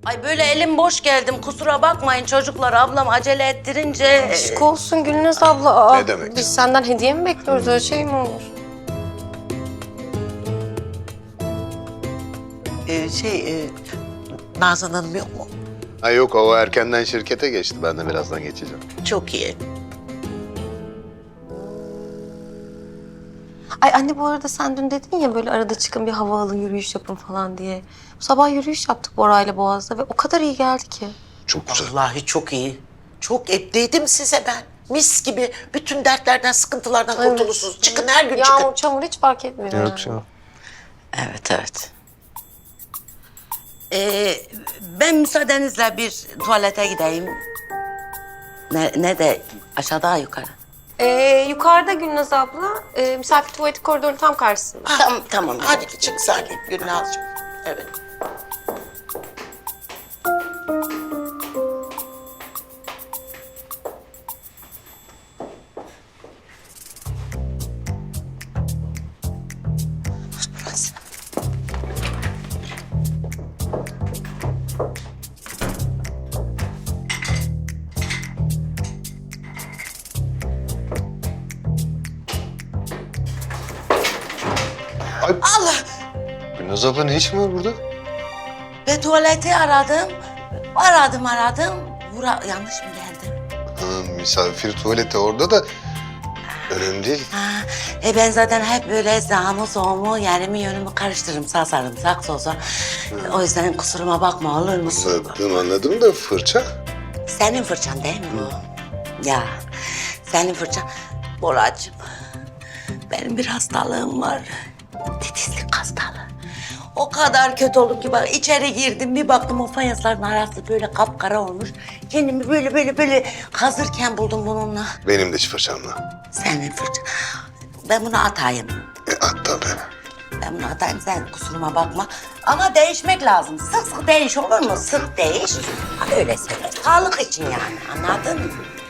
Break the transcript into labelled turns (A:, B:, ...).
A: Ay böyle elim boş geldim. Kusura bakmayın çocuklar. Ablam acele ettirince...
B: Aşk olsun Gülnaz abla. Aa,
C: Ne demek?
B: Biz senden hediye mi bekliyoruz? Öyle şey mi olur?
D: Nazan Hanım yok mu?
C: Ha yok, o erkenden şirkete geçti. Ben de birazdan geçeceğim.
D: Çok iyi.
B: Ay anne bu arada sen dün dedin ya böyle arada çıkın bir hava alın, yürüyüş yapın falan diye. Bu sabah yürüyüş yaptık Bora'yla Boğaz'da ve o kadar iyi geldi ki.
C: Çok güzel.
D: Vallahi çok iyi. Çok dedim size ben. Mis gibi bütün dertlerden, sıkıntılardan kurtulursunuz. Çıkın her gün çıkın.
B: Yağmur, çamur hiç fark etmiyor.
C: Yok canım.
A: Evet, evet. Ben müsaadenizle bir tuvalete gideyim. Ne de aşağıda yukarı.
B: Yukarıda Gülnaz abla, misafir tuvaleti koridorun tam karşısında.
A: Tamam.
D: Hadi çık Salim, Gülnazcığım. Evet. Burası.
C: Ay,
D: Allah!
C: Gülnaz abla ne işin var burada?
A: Ve tuvaleti aradım. Aradım. Yanlış mı geldim?
C: Ha, misafir tuvaleti orada da önemli değil.
A: Ben zaten hep böyle sağımı solumu yerimi yönümü karıştırırım. Sağ sarımsak sosa. O yüzden kusuruma bakma olur musun?
C: Anladım da fırça.
A: Senin fırçan değil mi bu? Ya senin fırçan. Boracığım benim bir hastalığım var. Titizlik hastalığı. O kadar kötü oldum ki bak içeri girdim bir baktım o fayansların arası böyle kapkara olmuş. Kendimi böyle kazırken buldum bununla.
C: Benim de fırçamla.
A: Senin fırçan. Ben bunu atayım.
C: At tabii.
A: Ben bunu atayım sen kusuruma bakma. Ama değişmek lazım. Sık sık değiş olur mu? Sık değiş. Ha, öyle söyle. Sağlık için yani anladın mı?